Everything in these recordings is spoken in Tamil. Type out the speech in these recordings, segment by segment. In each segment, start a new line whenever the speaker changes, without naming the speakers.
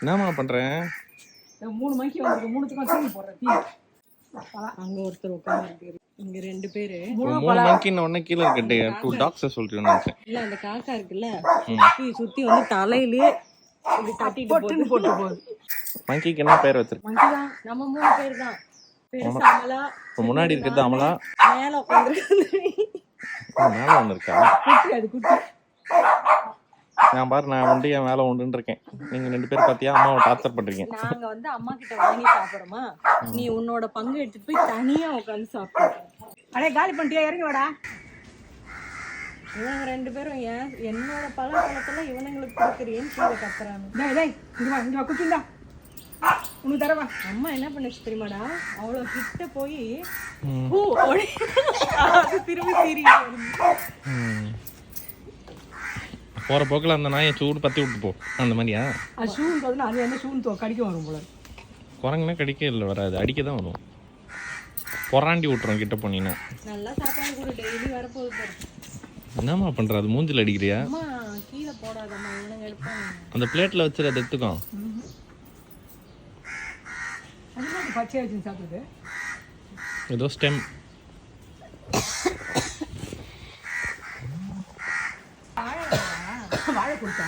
என்னம்மா பண்றேன்?
3 மணிக்கு வந்து 3த்துக்கும் சீனி போடுறேன். அங்க ஒருத்தர் உட்கார்ந்து இங்க 2 பேரு
3 மணிக்கு உடனே கீழே இருக்கட்டே 2 டாக்ஸை சொல்றேன்னு நினைச்சேன்.
இல்ல அந்த காக்கா இருக்குல்ல சுத்தி வந்து தலையிலே இப்படி தட்டிட்டு போட்டு போகுது.
மங்கிக்கு என்ன பேர் வச்சிருக்கு?
மங்கி தான் நம்ம 3 பேர் தான். பெருசா அமலா
முன்னாடி இருக்கிறது அமலா,
மேல உட்கார்ந்து
மேல ஒண்ணு இருக்கா?
குட்டி அது குட்டி.
நான் பாரு நான் வந்து என் மேல ஒன்றுன்னு இருக்கேன். நீங்க 2 பேர் பாத்தியா அம்மாவை டார்ச்சர் பண்றீங்க.
நாங்க வந்து அம்மா கிட்ட வாங்கி சாப்பிடுறோமா, நீ உன்னோட பங்கு எடுத்துட்டு போய் தனியா உட்காந்து சாப்பிடு. அடே காலி பண்ணிட்டியா, இறங்கி வாடா. இவங்க 2 பேரும் என்னோட பழக்கத்துல இவனுங்களுக்கு கொடுக்குறேன்னு கீழே கத்துறாங்க. இங்க வா குட்டிண்டா உனக்கு தரவா. அம்மா என்ன பண்ணுச்சு தெரியுமாடா, அவ்வளோ கிட்ட போய் திரும்பி சீரிட்டு
போற போக்கில் அந்த நாயை சூடு பத்தி விட்டு போ. அந்த மாதிரியா
ஷூன்னு பார்த்தா அது என்ன ஷூன்னு கடிக்க வரும் போல.
குரங்குனா கடிக்க இல்லை, வராது, அடிக்க தான் வரும். பொறாண்டி விட்டுரும் கிட்ட போனீங்கன்னா.
நல்லா சாப்பாடு கூட டெய்லி வரப்போகுது பாரு.
என்னம்மா பண்ற? அது மூஞ்சில் அடிக்கிறியா?
அம்மா கீழே போடாதம்மா, இவனுங்க எடுப்பாங்க.
அந்த பிளேட்ல வச்சு அதை எடுத்துக்கோ.
அது பச்சை வச்சு சாப்பிடுது
ஏதோ ஸ்டெம்.
வாழை கொடுத்தா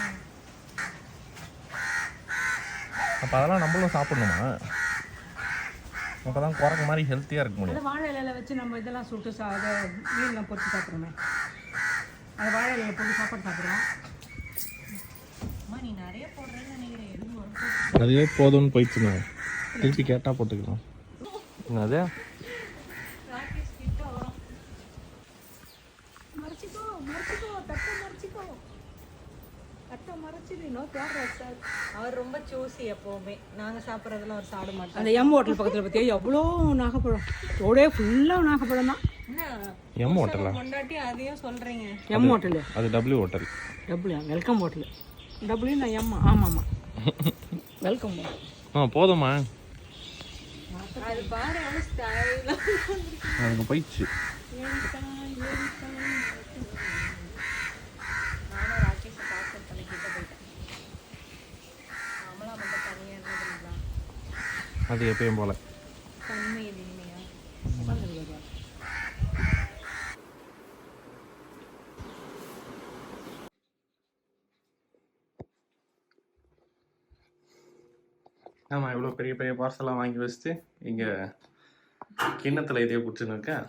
அப்போ அதெல்லாம் நம்மளும் சாப்பிடணுமா? அப்போதான் குரங்கு மாதிரி ஹெல்த்தியாக இருக்க முடியும்.
அந்த வாழை இலையில வச்சு நம்ம இதெல்லாம் சுட்டு அதை மீன்லாம் பொறிச்சு சாப்பிட்றோமே, அந்த வாழை இலையில போட்டு சாப்பாடு சாப்பிட்றோம். அம்மா நீ நிறைய போடுறேன்னு நினைக்கிறேன். எதுவும் வரும்
அதுவே போதும்னு போயிடுச்சுண்ணா, திருப்பி கேட்டால் போட்டுக்கலாம். அது
மறைச்சிக்கோ மறைச்சிக்கோ தட்டை மறைச்சிக்கோ தட்டை மறைச்சிடு. அவர் ரொம்ப சூசி எப்போவுமே. நாங்கள் சாப்பிட்றதுல அவர் சாப்பிட மாட்டோம். அந்த எம் ஹோட்டல் பக்கத்தில் பார்த்தியா எவ்வளோ நாகப்பழம், ரோடே ஃபுல்லாக நாகப்பழம் தான்.
எம் ஹோட்டலா?
கொண்டாட்டி அதையும் சொல்கிறீங்க. எம் ஹோட்டலு
அது W hotel.
W welcome hotel. W நான் எம்மா. ஆமாம்மா வெல்கம் ஹோட்டல்.
போதுமா?
அது பாரு எவ்வளோ ஸ்டைலாக
அங்கே போயிடுச்சு.
நானும் ராகேஷை பார்சல் பண்ணி கிட்ட போயிட்டேன். அமலா மட்டும் தனியாக இருந்ததுங்களா?
அது எப்பயும் போல
தனிமை இது இனிமையா?
ஆமாம், இவ்வளோ பெரிய பெரிய பார்சலாக வாங்கி வச்சுட்டு இங்கே கிண்ணத்தில் இதையே குடிச்சுன்னு இருக்கேன்.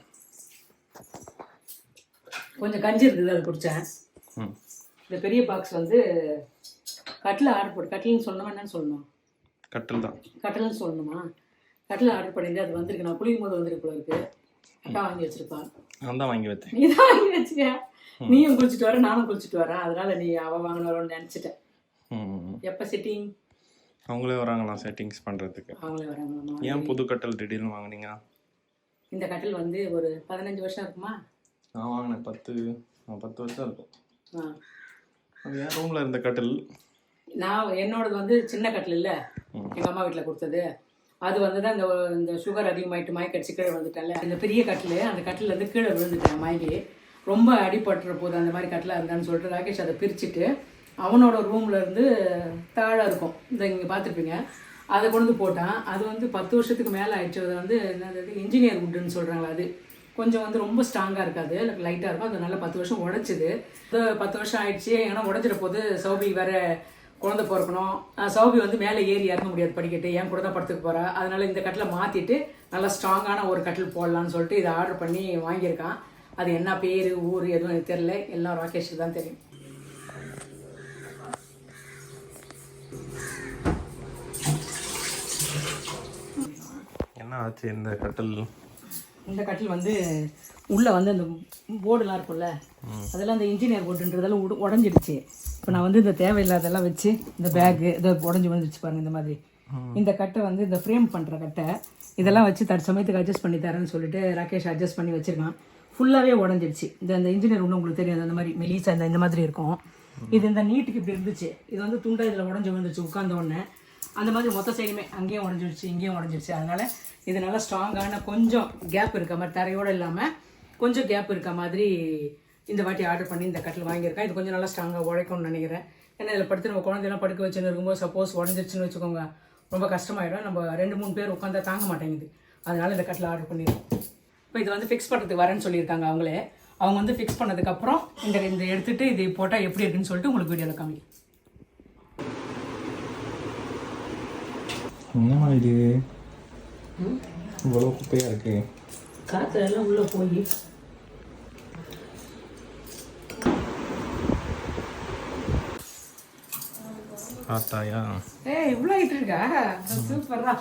கொஞ்சம் கஞ்சி இருக்குது, அது குடித்தேன். இந்த பெரிய பாக்ஸ் வந்து கட்டில் ஆர்டர் போட்டு, கட்டில்னு சொல்லணுமா என்னன்னு சொல்லணும்?
கட்டில் தான்.
கட்டில்னு சொல்லணுமா? கட்டில் ஆர்டர் பண்ணியிருந்தேன், அது வந்திருக்கு. நான் குளிக்கும் போது வந்திருக்கு போல இருக்கு. அக்கா வாங்கி வச்சிருப்பான்.
நான் தான் வாங்கி வச்சேன்.
நீ தான் வாங்கி வச்சியா? நீயும் குளிச்சுட்டு வர, நானும் குளிச்சுட்டு வரேன். அதனால நீ அவள் வாங்கினவரோன்னு நினச்சிட்டேன். எப்போ செட்டிங்?
அவங்களே வராங்களாம் செட்டிங்ஸ் பண்ணுறதுக்கு.
அவங்களே வராங்களா?
ஏன் புது கட்டில் திடீர்னு வாங்கினீங்க?
இந்த கட்டில் வந்து ஒரு 15 வருஷம் இருக்குமா?
நான் வாங்கினேன் 10 வருஷம் இருக்கும். அது என் ரூமில் இருந்த கட்டில்.
நான் என்னோடது வந்து சின்ன கட்டில் இல்லை, எங்கள் அம்மா வீட்டில் கொடுத்தது. அது வந்து தான் இந்த சுகர் அதிகமாகிட்டு மயக்கடிச்சு கீழே வந்துட்டேன்ல. இந்த பெரிய கட்டில், அந்த கட்டில் வந்து கீழே விழுந்துட்டேன் மயங்கி. ரொம்ப அடிபட்டுற போது அந்த மாதிரி கட்டிலாக இருந்தான்னு சொல்லிட்டு ராகேஷ் அதை பிரிச்சுட்டு அவனோட ரூமில் இருந்து தாழை இருக்கும், இந்த இங்கே பார்த்துருப்பீங்க, அதை கொண்டு வந்து போட்டான். அது வந்து 10 வருஷத்துக்கு மேலே ஆயிடுச்சு. அது வந்து என்னது இன்ஜினியர் வுட்டுன்னு சொல்கிறாங்களா, அது கொஞ்சம் வந்து ரொம்ப ஸ்ட்ராங்காக இருக்காது, லைட்டாக இருக்கும். அது நல்லா 10 வருஷம் உடச்சிது. 10 வருஷம் ஆயிடுச்சு. ஏன்னா உடஞ்சிட போது சௌபி வேறு குழந்தை பிறக்கணும். சௌபி வந்து மேலே ஏறி இறங்க முடியாது படிக்கட்டு, என் கூட தான் படுத்துக்க போகிறா. அதனால் இந்த கட்டில் மாற்றிட்டு நல்லா ஸ்ட்ராங்கான ஒரு கட்டில் போடலான்னு சொல்லிட்டு இதை ஆர்டர் பண்ணி வாங்கியிருக்கான். அது என்ன பேர் ஊர் எதுவும் எனக்கு தெரில, எல்லாம் ராகேஷுக்கு தான் தெரியும்.
என்ன ஆச்சு இந்த கட்டில்?
இந்த கட்டில் வந்து உள்ளே வந்து அந்த போர்டுலாம் இருக்கும்ல, அதெல்லாம் அந்த இன்ஜினியர் போர்டுன்றதெல்லாம் உடஞ்சிடுச்சு. இப்போ நான் வந்து இந்த தேவையில்லாதெல்லாம் வச்சு இந்த பேக்கு இதை உடஞ்சி விழுந்துச்சு பாருங்கள். இந்த மாதிரி இந்த கட்டை வந்து இந்த ஃப்ரேம் பண்ணுற கட்டை, இதெல்லாம் வச்சு தற்சமயத்துக்கு அட்ஜஸ்ட் பண்ணி தரேன்னு சொல்லிட்டு ராகேஷ் அட்ஜஸ்ட் பண்ணி வச்சுருக்கான். ஃபுல்லாகவே உடஞ்சிடுச்சு. இந்த இன்ஜினியர் ஒன்று உங்களுக்கு தெரியும், அந்த மாதிரி மெலிசா இந்த மாதிரி இருக்கும். இது இந்த நீட்டுக்கு இப்படி இருந்துச்சு, இது வந்து துண்டா இதில் உடஞ்சி விழுந்துச்சு உட்கார்ந்த உடனே. அந்த மாதிரி மொத்த சைடுமே அங்கேயும் உடஞ்சிடுச்சு இங்கேயும் உடஞ்சிடுச்சு. அதனால் இது நல்லா ஸ்ட்ராங்கான கொஞ்சம் கேப் இருக்க மாதிரி, தரையோடு இல்லாமல் கொஞ்சம் கேப் இருக்க மாதிரி இந்த வாட்டி ஆர்டர் பண்ணி இந்த கட்டில் வாங்கியிருக்கேன். இது கொஞ்சம் நல்லா ஸ்ட்ராங்காக உழைக்கும்னு நினைக்கிறேன். ஏன்னா இதில் படுத்து நம்ம குழந்தையெல்லாம் படுக்க வச்சுன்னு இருக்கும்போது சப்போஸ் உடஞ்சிருச்சுன்னு வச்சுக்கோங்க, ரொம்ப கஷ்டமாயிடும். நம்ம 2-3 பேர் உட்காந்தா தாங்க மாட்டேங்குது. அதனால இந்த கட்டில் ஆர்டர் பண்ணிடுறோம். இப்போ இது வந்து ஃபிக்ஸ் பண்ணுறதுக்கு வரேன்னு சொல்லியிருக்காங்க அவங்களே. அவங்க வந்து ஃபிக்ஸ் பண்ணதுக்கப்புறம் இந்த எடுத்துகிட்டு இது போட்டால் எப்படி இருக்குன்னு சொல்லிட்டு உங்களுக்கு வீடியோவில் காமிக்கிறேன்.
என்னம்மா இது இவ்வளோ குப்பையாக இருக்கு?
காற்று எல்லாம் உள்ளே போய்
பார்த்தாயா?
இவ்வளோ ஆகிட்டு இருக்கா? சூப்பரா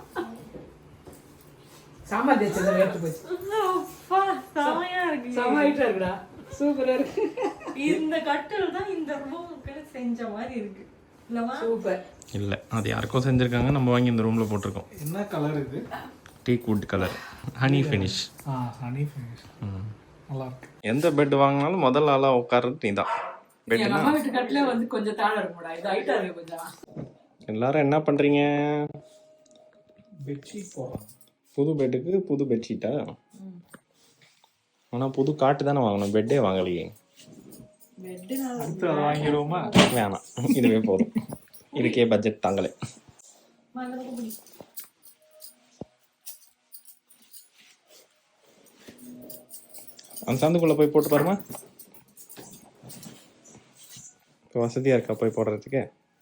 சாம்பார் தேய்ச்சது எடுத்து போச்சு.
செமையா இருக்கு.
செமையா இருக்குடா, சூப்பரா இருக்கு.
இந்த கட்டில் தான் இந்த ரூமுக்கு செஞ்ச மாதிரி இருக்கு இல்லவா?
சூப்பர்.
இல்லை, அது யாருக்கோ செஞ்சுருக்காங்க, நம்ம வாங்கி இந்த ரூமில் போட்டிருக்கோம்.
என்ன கலர் இது?
Teak wood colour, honey finish.
Honey finish. நல்லா இருக்கு.
எந்த பெட் வாங்கினாலும் முதல் ஆளாக உட்கார்றது நீ தான்.
எங்க அம்மா வீட்டு கட்டிலே வந்து கொஞ்சம் தாழ இருக்கும்டா, இது ஹைட்டா இருக்கு கொஞ்சம்.
எல்லாரும் என்ன பண்ணுறீங்க?
பெட்ஷீட் போடுறோம்.
புது பெட்டுக்கு புது பெட்ஷீட்டா? ஆனால் புது காட்டு தானே வாங்கணும், பெட்டே வாங்கலையே.
அடுத்து அதை வாங்கிடுவோமா?
வேணாம், இதுவே போதும். இதுக்கே பட்ஜெட் தாங்களே. அந்த சந்துக்குள்ளே போய் போட்டு பாருமா. இப்போ வசதியாக இருக்கா போய் போடுறதுக்கு?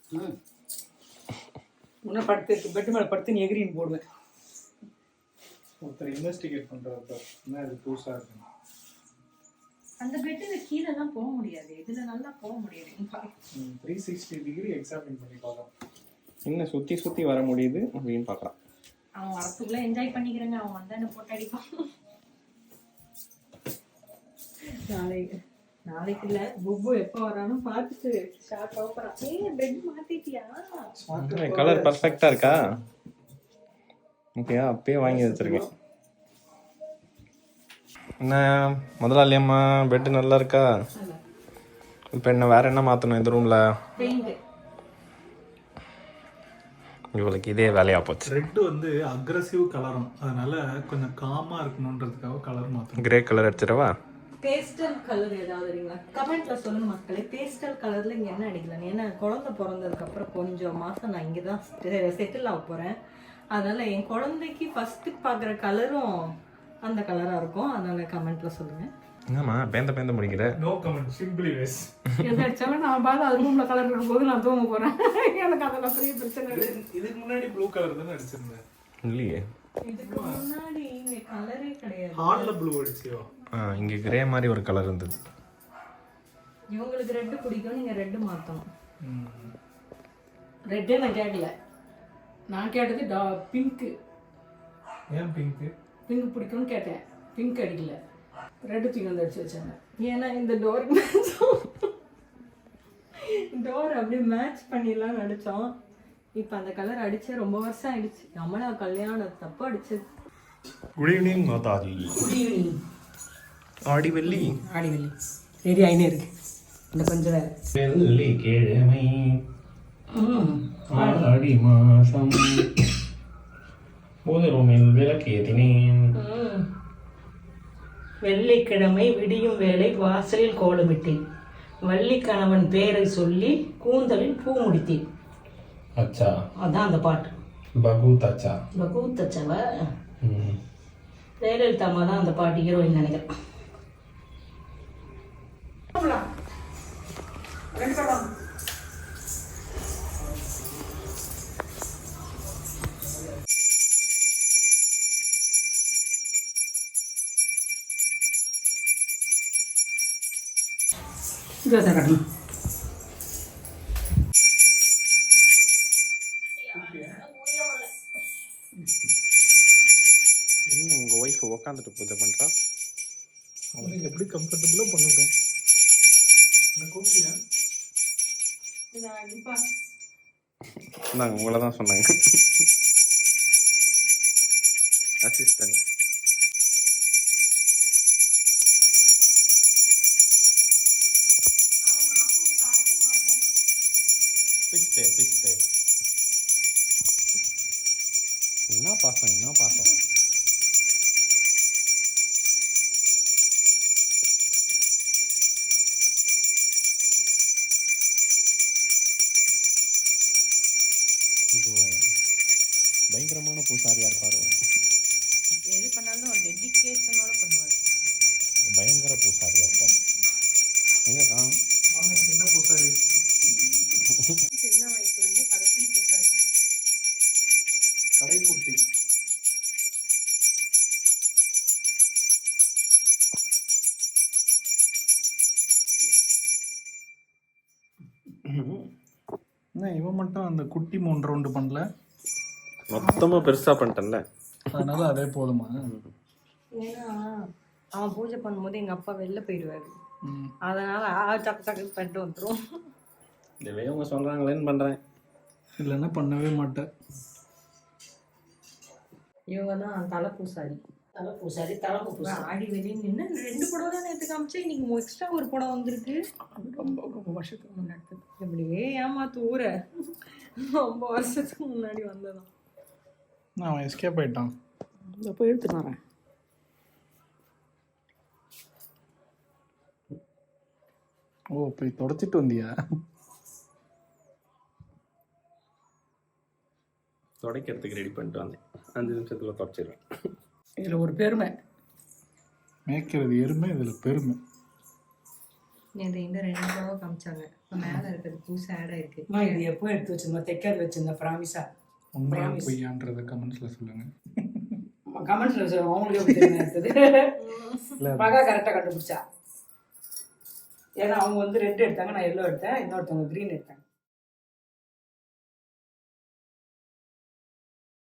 முன்ன படுத்து பெட்டு மேலே படுத்து நீ எகிரின்னு போடுவேன்.
ஒருத்தர் இன்வெஸ்டிகேட் பண்ணுறாரு, என்ன இது புதுசாக இருக்கு.
அந்த பெட்டுல கீழே எல்லாம் போக முடியாது, இதுல நல்லா போக முடியாது.
360 டிகிரி எக்ஸாமின் பண்ணி பார்க்கலாம்.
இன்னும் சுற்றி சுற்றி வர முடியுது அப்படின்னு பார்க்குறான்.
அவன் வரத்துக்குள்ள என்ஜாய் பண்ணிக்கிறேங்க, அவன் வந்தா என்ன போட்டு அடிப்பான். நாளைக்கு இல்ல, புப்பு எப்ப வரானு பார்த்துட்டு ஷார்ட் ஆஃபரா. பெட் மாத்திட்டியா?
கலர் பர்ஃபெக்டாக இருக்கா? ஓகேயா, அப்பயே வாங்கி வச்சிருக்கேன். என்ன முதலாளி அம்மா, பெட்டு நல்லா இருக்கா? இப்போ என்ன வேற என்ன மாற்றணும் இந்த ரூமில்?
பெயிண்ட்.
இவளுக்கு இதே வேலையாக போச்சு.
ரெட் வந்து அக்ரெசிவ் கலரும், அதனால கொஞ்சம் காமா இருக்கணுன்றதுக்காக கலர் மாற்றணும்.
கிரே கலர் அடிச்சிடவா?
பேஸ்டல் கலர் ஏதாவது அடிங்களா? கமெண்ட்ல சொல்லுங்க மக்களே, பேஸ்டல் கலர்ல இங்க என்ன அடிக்கலாம்? ஏன்னா குழந்தை பிறந்ததுக்கு அப்புறம் கொஞ்சம் மாசம் நான் இங்கதான் செட்டில் ஆக போறேன். அதனால என் குழந்தைக்கு ஃபர்ஸ்ட் பாக்குற கலரும் அந்த கலரா இருக்கும். அதனால கமெண்ட்ல சொல்லுங்க.
என்னம்மா பேந்த முடிக்கிற?
No comment, simply waste.
எதாச்சும் நான் பார்த்து அது ரூம்ல கலர் இருக்கும்போது நான் தூங்க போறேன். எனக்கு அதெல்லாம் பெரிய பிரச்சனை இல்லை.
இதுக்கு முன்னாடி ப்ளூ கலர் தானே அடிச்சிருந்தேன்.
இல்லையே,
இதுக்கு முன்னாடி இங்க கலரே கிடையாது.
ஹார்ட்ல ப்ளூ அடிச்சியோ?
இங்கே கிரே மாதிரி ஒரு கலர் இருந்தது.
இவங்களுக்கு ரெட் பிடிக்கும், நீங்க ரெட் மாத்தணும்.
ரெட்டே நான் கேட்கல, நான் கேட்டது பிங்க்கு.
ஏன் பிங்க்?
பிங்க் பிடிக்கும்னு கேட்டேன், பிங்க் அடிக்கல, ரெட்டு தூக்கி வந்து அடிச்சு வச்சாங்க.
ஏன்னா இந்த டோர் அப்படியே மேட்ச் பண்ணிடலாம் நினைச்சோம். இப்போ அந்த கலர் அடிச்சு ரொம்ப வருஷம் ஆயிடுச்சு. நம்மளா கல்யாணம் தப்பு அடிச்சது.
குட் ஈவினிங் மாதாஜி.
Good evening.
Aadi Velli
ready ஆயினே இருக்கு. இந்த கொஞ்சம் வேலை.
வெள்ளிக்கிழமை ஆடி மாசம் பூஜை ரூமில் விளக்கேற்றினேன்.
வெள்ளிக்கிழமை விடியும் வேளை வாசலில் கோலமிட்டேன். வள்ளிக்கணவன் பேரை சொல்லி கூந்தலில் பூ முடித்தேன்.
அச்சா,
அதான் அந்த பாட்டு.
பகூத் அச்சா.
பகூத் அச்சாவா? ஜெயலலிதா அம்மா தான் அந்த பாட்டு ஹீரோயின் நினைக்கிறேன். கட்டணும்.
என்ன உங்கள் ஒய்ஃப் உக்காந்துட்டு பூஜை பண்ணுறா?
அவங்க எப்படி கம்ஃபர்டபுளாக பண்ணட்டும். என்ன கூப்பிட்டியா?
நாங்கள் உங்களை தான் சொன்னாங்க. அசிஸ்டன்ட். பிஸ்தே என்ன பாசம். இப்போ பயங்கரமான பூசாரியாக இருப்பாரோ?
எது பண்ணாலும் டெடிகேஷனோட பண்ணுவார்.
பயங்கர பூசாரியாக இருப்பார். எங்கே காணும்?
வாங்க சின்ன பூசாரி.
சின்ன வயசுல இருந்தே கடைசி பூசாரி.
கடைக்குட்டி. என்ன இவன் மட்டும் அந்த குட்டி 3 ரவுண்டு பண்ணல?
மொத்தமாக பெருசாக பண்ணிட்டேன்ல,
அதனால அதே போதுமா?
ஏன்னா அவன் பூஜை பண்ணும்போது எங்க அப்பா வெளில போயிடுவாரு.
ம்.
அதனால டக்கு டக்கு பண்ணிட்டு வந்துடும்.
இதுவே அவங்க சொல்கிறாங்களேன்னு பண்ணுறேன்.
இல்லைன்னா பண்ணவே மாட்டேன்.
இவங்க தான் தலை பூசாரி.
தலை பூசாரி, தலைப்பு பூசாரி.
ஆடி வெளியே நின்று 2 புடவை தான் நேற்று காமிச்சு, இன்னைக்கு எக்ஸ்ட்ரா ஒரு புடவை வந்திருக்கு. ரொம்ப வருஷத்துக்கு முன்னாடி இப்படியே ஏமாத்து ஊரை. ரொம்ப வருஷத்துக்கு முன்னாடி வந்ததான்.
அவன் எஸ்கேப் ஆயிட்டான்.
இந்த போய் எடுத்துட்டு வரேன்.
ஓ, போய் தொடச்சிட்டு வந்தியா?
துடைக்கிறதுக்கு ரெடி பண்ணிட்டு வந்தேன். 5 நிமிஷத்தில் துடைச்சிடுவேன்.
இதில் ஒரு பெருமை.
மேய்க்கிறது எருமை, இதில் பெருமை.
நேற்று இந்த 2 புடவை காமிச்சாங்க. மேலே இருக்கிறது பூசை ஆடாக இருக்கு.
அம்மா இது எப்போ எடுத்து வச்சிருந்தோம்? தைக்காது வச்சிருந்தேன் ப்ராமிஸா.
உண்மையா பொய்யான்றத கமெண்ட்ஸில் சொல்லுங்கள்.
கமெண்ட்ஸில் சொல்லுவோம், அவங்களுக்கு எப்படி தெரியும் எடுத்தது. மகா கரெக்டாக கண்டுபிடிச்சா. ஏன்னா அவங்க வந்து ரெட் எடுத்தாங்க, நான் எல்லோ எடுத்தேன், இன்னொருத்தவங்க க்ரீன் எடுத்தாங்க.